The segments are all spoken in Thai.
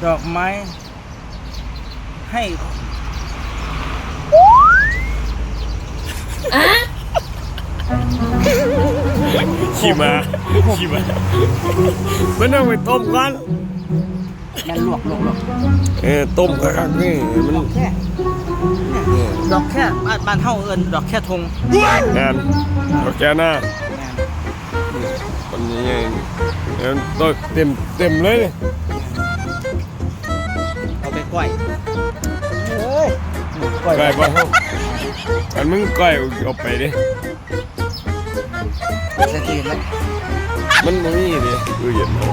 ดอกไม้ให้ขี่มามันต้องไปต้มกันแม่นลวกต้มกระคักนี่มันดอกแค่บ้านเฮาเอิ้นดอกแค่ทงงานดอกแค่หน้าคนนี้ต้นเต็มเลยเอาไปก้อยก้อยบ้านเฮาอันมึงก้อยเอาไปดิเสร็จตื่นแล้วมันไม่มีดิดูเย็นเอา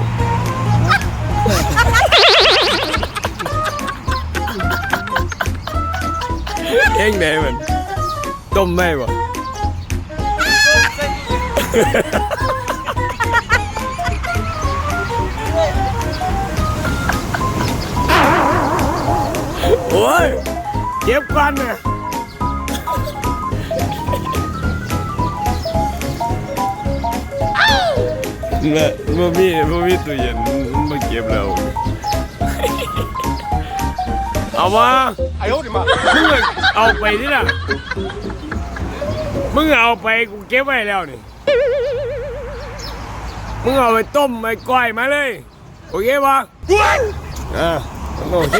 เองไหนมันต้มไม่บ่โอ้ยเก็บกันเนี่ยเนี่ยบ่มีตู้เย็นมาเก็บแล้วเอามามึงเอาไปที่น่ะมึงเอาไปกูเก็บไว้แล้วนี่มึงเอาไปต้มไปก้อยมาเลยโอเคปะโอเค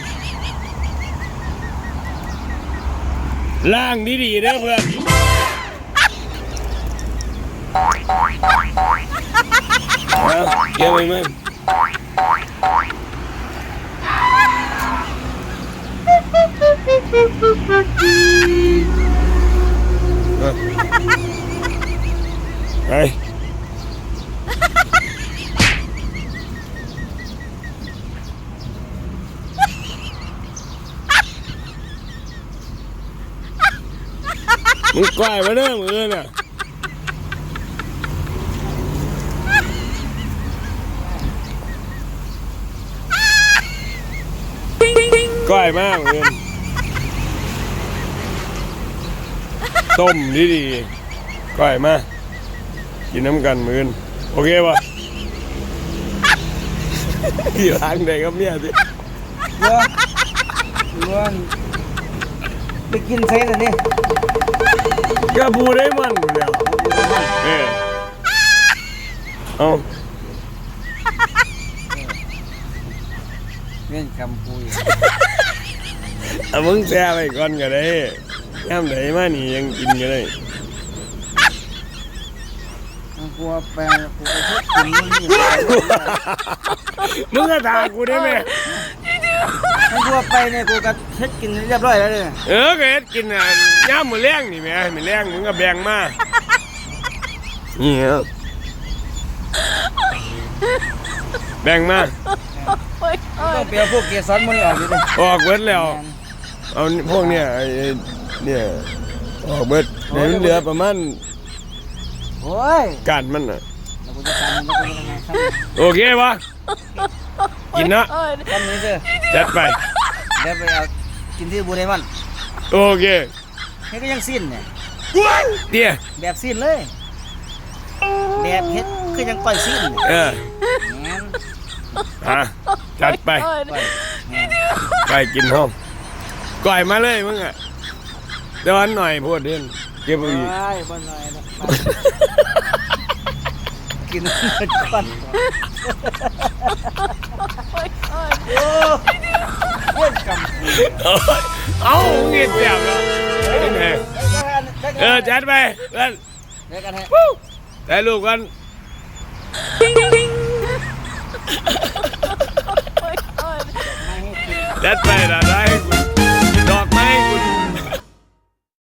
ล้างดีๆนะเพื่อนเก็บไว้ไหมไปมึงกล้วยมาเด้อมือน่ะกล้วยมากมือต้มดีๆกล้วยมากินน้ำกันมือโอเคป่ะที่ร้านไหนครับเนี่ยสิเรื่องไปกินเซ่เลยนี่ก็พูดได้มันหมดแล้วเอาเรื่องคำพูดมึงแซ่ไปก่อนก็ได้ย่ำไหนมานี่ยังกินก็ได้กลัวแปลงกูไปพบกินมึงก็ถามกูได้ไหมมึงกลัวไปเนี่ยกูก็เฮ็ดกินเรียบร้อยแล้วเนี่ยก็เฮ็ดกินย่ำมือแรงนี่แม่มือแรงมึงก็แบ่งมานี่แบ่งมาต้องเปลี่ยนพวกเกสรมันออกอยู่ดิออกเบิดแล้วเอาพวกเนี่ยเนี่ยออกเบิดเหลือประมาณโอ้ยการมันอ่ะโอเคปะกินนะทำนี้เถอะจัดไปเดี๋ยวไปเอากินที่บูเรมันโอเคนี่ก็ยังสิ้นเนี่ยเดี๋ยวแบบสิ้นเลยแบบเฮ็ดก็ยังก้อยสิ้นจัดไปไปกินห้องก่อยมาเลยมึงอ่ะเดี๋ยวหน่อยพูดเด่นเก็บอีกบ้านหน่อยกินก่อนเอาเงียบเสียบแล้วจัดไปเพื่อนได้ลูกกันจัดไปนะ